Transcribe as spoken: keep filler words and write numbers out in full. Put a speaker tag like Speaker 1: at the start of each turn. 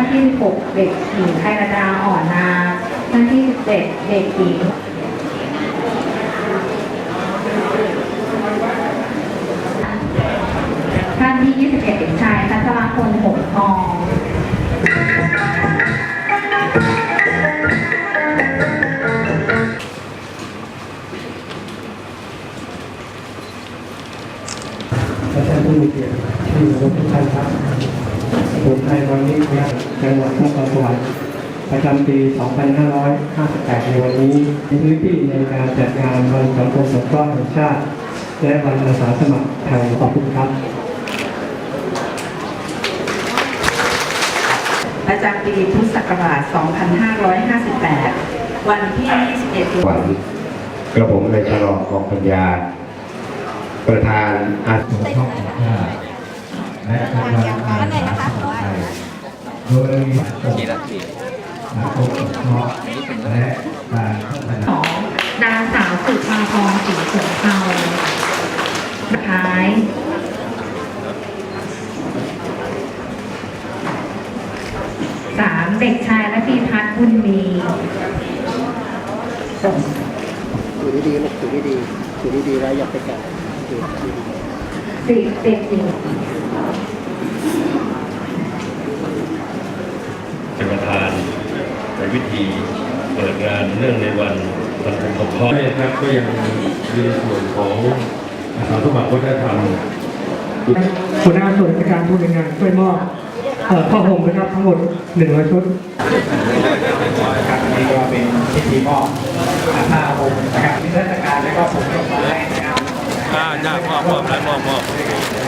Speaker 1: านที่สิบหกเด็กหญิงไทยระดาอ่อนนาท่านที่สิบเจ็ดเด็กหญิงท่านที่ยี่สิบเอ็ดเด็กชายพัชรพลหงส์ทอง
Speaker 2: และท่านผู้มีเกียรติที่เคารพทุกท่านครับผมไทยวันนี้ครับจังหวัดนครสวรรค์ประจำปี สองพันห้าร้อยห้าสิบแปด ในวันนี้มีพื้นที่ในการจัดงานวันสังคมสงเคราะห์แห่งชาติและวันอาสาสมัครไทยขอบคุณครับ
Speaker 3: ประจำปีพุทธศักราช สองพันห้าร้อยห้าสิบแปด วันที่ ยี่สิบเอ็ด
Speaker 4: วันกระผมในฉลองกองปัญญาประธานอาสาสมัครและทางการอาสาสมัครไทยโดยมีกี่นาทีนักปกครองและการพัฒนา
Speaker 1: ของนางสาวสุภาพรศรีสงเทาสุดท้ายสามเด็กชายและพีพัฒน์บุญมีส่ง
Speaker 5: ถือดีๆลูกถือดีๆถือดีๆแล้วอย่าไปแกะถือดีๆ
Speaker 1: สิบเด็กหญิง
Speaker 6: เป็นประธานในวิธีเปิดงานเนื่องในวันสังคมสงเคราะห์นะครับก็ยังมีส่วนของอาสาสมัครวัฒนธรรม
Speaker 2: หัวหน้าส่วนราชการผู้ในงานช่วยมอบเอ่อผ้าห่มนะครับทั้งหมดหนึ่งร้อยชุด
Speaker 5: ครับนี่ก็เป็นพิธีมอบผ้าห่มนะครับนิทรรศการและก็ผมดอกไม้นะครับ
Speaker 6: อ่าจ้ามอบมอบแล้วมอบมอบ